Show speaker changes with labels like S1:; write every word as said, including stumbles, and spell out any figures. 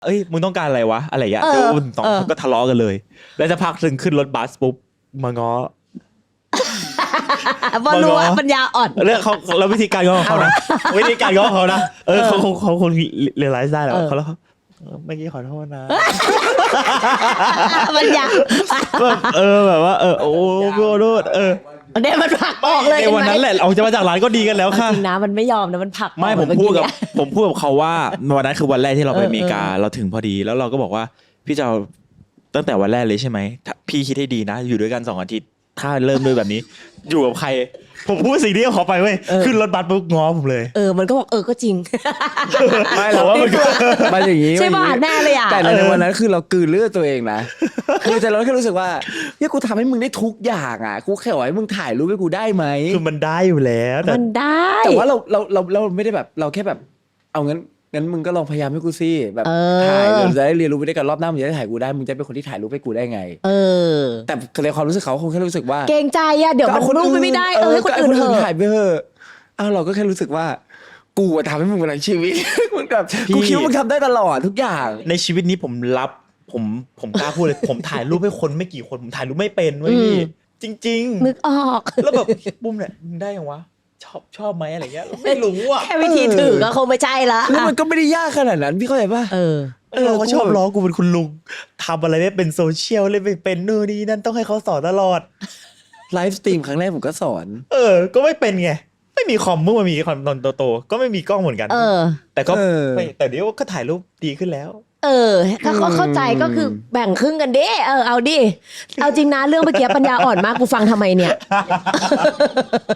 S1: เอ้ยมึงต้องการอะไรวะอะไรอย่างเงี้ย
S2: เออ
S1: แล้วสอง
S2: เออ
S1: คนก็ทะเลาะกันเลย แล้วจะพักถึงขึ้นรถบัสปุ๊บมาง้อ
S2: บอลรู้ว่า
S1: มาง้อ
S2: ปัญญาอ่อน
S1: เรื่องเขาแล้ววิธีการง้อของเขานะวิธีการง้อของเขานะเออเขาคงเขาคงเรียนรู้ได้แล้ว
S2: เออ
S1: เขาแล้วเขาเออเมื่อกี้ขอโทษนะ
S2: ปัญญา
S1: แบบเออแบบว่าเออโอ้ขอโทษเออ
S2: เดี๋ยวมันผลักออกเลย
S1: ในวันนั้นแหละออกจะมาจากร้านก็ดีกันแล้ว
S2: เอา
S1: ค่ะ
S2: จริงนะมันไม่ยอมนะมันผลักออก
S1: ไม่ผม
S2: เอ
S1: พูดกับ
S2: เนี่ย
S1: ผมพูดกับเขาว่าวันนั้นคือวันแรกที่เราไป
S2: เออ
S1: อเมริกา
S2: เออ
S1: เราถึงพอดีแล้วเราก็บอกว่าพี่จะเอาตั้งแต่วันแรกเลยใช่ไหมถ้าพี่คิดให้ดีนะ อยู่ด้วยกันสองอาทิตย์ถ้าเริ่มด้วยแบบนี้ อยู่กับใคร ผมพูดสิ่งนี้กับเขาไปเว้ยขึ้นรถบัสปุ๊บง้อผมเลย
S2: เออมันก็บอกเออก็จริง
S3: ไม่หรอก
S1: ว่ามันก็
S3: มันอย่างนี้
S2: ใช่ป่ะ
S3: มันอย่างนี้
S2: แน่เลยอ่ะ
S3: แต่ในวันนั้นคือเรากลืนเลือดตัวเองนะ คือแต่เราแค่รู้สึกว่าเนี่ยกูทำให้มึงได้ทุกอย่างอ่ะกูแค่บอกให้มึงถ่ายรูปให้กูได้ไหม
S1: คือมันได้อยู่แล้วแต่
S2: มันได้
S3: แต่ว่าเราเราเราเราไม่ได้แบบเราแค่แบบ เอางั้นงั้นมึงก็ลองพยายามให้กูสิแบบ
S2: เออ
S3: ถ่ายเราจะได้เรียนรู้ไปด้วยกันรอบหน้ามึงจะได้ถ่ายกูได้มึงจะเป็นคนที่ถ่ายรูปให้กูได้ไง
S2: เออ
S3: แต่ในความรู้สึกเขาคงแค่รู้สึกว่า
S2: เกรงใจอ่ะเดี๋ยวมันรูปไม่ได้เออให้คนอื่นเถ
S3: ก็
S2: อะ
S3: ถ่ายไปเถอะอ้าวเราก็แค่รู้สึกว่า กูอะทำให้มึงเป็นชีวิต มันแบบกูคิดว่ามึงทำได้ตลอดทุกอย่าง
S1: ในชีวิตนี้ผมรับผมผมกล้าพูดเลย ผมถ่ายรูปให้คนไม่กี่คนผมถ่ายรูปไม่เป็นเว้ยพี่จริง
S2: นึกออก
S1: ๆ แล้วแบบบุ้มเนี่ยมึงได้ยังวะชอบชอบไหมอะไรเงี้ยไม่รู้อ่ะ
S2: แค่วิธีถือก็คงไม่ใช่ละ
S3: แล้วมันก็ไม่ได้ยากขนาดนั้นพี่เข้าใจป่ะ
S2: เออ
S1: เออเขาชอบล้อกูเป็นคุณลุงทำอะไรไม่เป็นโซเชียลเลยไม่เป็นนู่นนี่นั่นต้องให้เขาสอนตลอด
S3: ไลฟ์สตรีมครั้งแรกผมก็สอน
S1: เออ ก็ไม่เป็นไงไม่มีคอมเมื่อมันมีคอมตอนโตๆก็ไม่มีกล้องเหมือนกัน
S2: เออ
S1: แต่ก็
S3: เออ
S1: ไม่แต่เดี๋ยวก็ถ่ายรูปดีขึ้นแล้ว
S2: เออ ถ้าเขาเข้าใจก็คือแบ่งครึ่งกันดิเออเอาดิ เอาจริงนะเรื่องเมื่อกี้ปัญญาอ่อนมากกูฟังทำไมเนี่ย